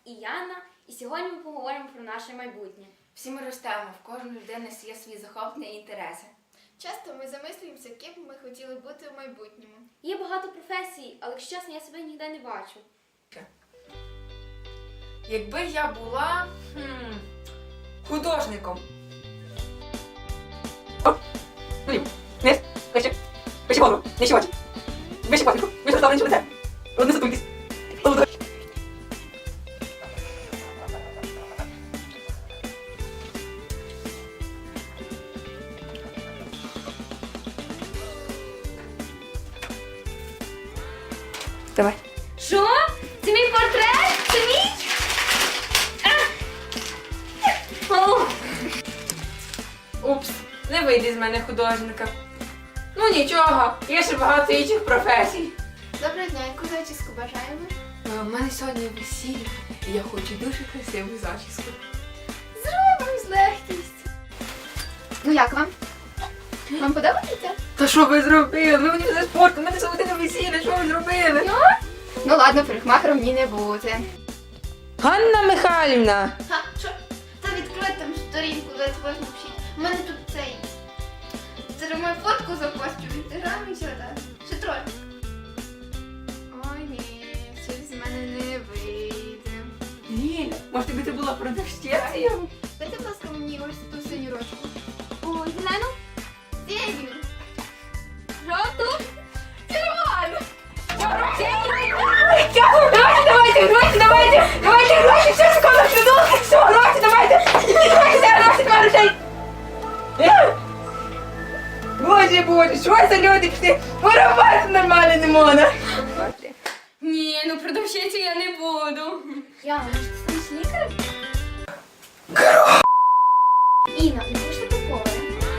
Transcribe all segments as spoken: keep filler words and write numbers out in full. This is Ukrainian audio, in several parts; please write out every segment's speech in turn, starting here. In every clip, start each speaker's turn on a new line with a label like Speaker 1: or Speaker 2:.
Speaker 1: і Яна, і сьогодні ми поговоримо про наше майбутнє.
Speaker 2: Всі ми ростемо, в кожної людини є свої захоплення і інтереси.
Speaker 3: Часто ми замислюємося, ким ми хотіли бути в майбутньому.
Speaker 1: Є багато професій, але, якщо чесно, я себе ніде не бачу.
Speaker 2: Якби я була хм, художником.
Speaker 4: Вниз, вище, вище голову, нижче очі. Вище патріку, вище розставлення лице. Одне сатуйтесь. Давай.
Speaker 1: Що? Це мій портрет? Це мій? А!
Speaker 2: Упс, не вийде з мене художника. Ну нічого, є ще багато інших професій.
Speaker 3: Доброго дня, яку зачіску бажаємо?
Speaker 2: У мене сьогодні весілля, і я хочу дуже красиву зачіску.
Speaker 3: Зробимо з легкістю. Ну як вам? Вам подобається?
Speaker 2: Та що ви зробили? Ви мені за спорт, у мене сьогодні весілля, що ви зробили?
Speaker 3: Ну ладно, парикмахером мені не бути.
Speaker 2: Ганна Михайлівна!
Speaker 3: Ха, що? Та відкрой там сторінку, дайте можна вчити. У мене тут цей. Це мою фотку запостю в інстаграмі чи так? Ще трохи. Ой ні, щось з мене не вийде.
Speaker 2: Ліля, може тобі це була продавщицею?
Speaker 3: Дайте, будь ласка, мені ось ту синю ручку.
Speaker 1: О, зелену?
Speaker 3: Синю.
Speaker 1: Жовту?
Speaker 3: Червону.
Speaker 2: Давайте, давайте, гроші, давайте! Давайте гроші, все скоро придумали, все, гроші, давайте! Давайте, гроші, грошей! Боже, боже, що за люди пішли? Воровати нормально не можна!
Speaker 1: Ні, ну продавщицю я не буду.
Speaker 3: Яна, може ти станеш лікарем?
Speaker 1: Інна, не хочеш ти повара?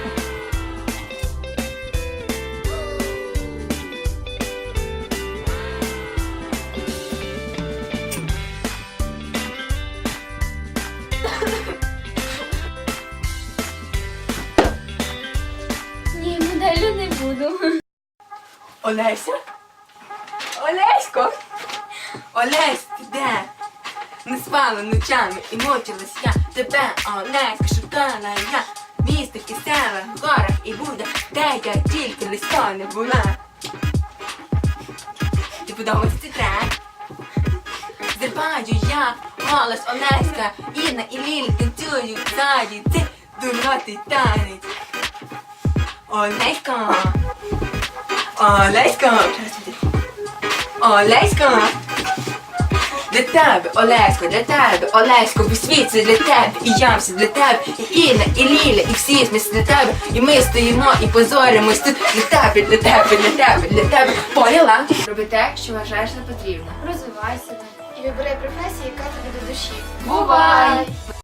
Speaker 1: Ні, моделлю не буду.
Speaker 2: Олеся? Олесько? Олесь, ти де? Не спала ночами і мучилась я. Тебе, Олеська, шукала я. В містах і селах, горах і будах, де я тільки листа не була. Ти подобається цей трек? Зриваю я голос Олеська, Інна і Лілі танцюють ззаді. Це дурнотий танець. Олесько! Олесько! Олесько! Для тебе, Олесько, для тебе, Олесько, весь світ це для тебе, і я все для тебе, і Інна, і Ліля, і всі ми для тебе, і ми стоїмо і позоримось тут для тебе, для тебе, для тебе, для тебе. Поняла? Роби те, що вважаєш за потрібно.
Speaker 3: Розвивай себе. І вибирай професію, яка тобі до душі.
Speaker 2: Бувай!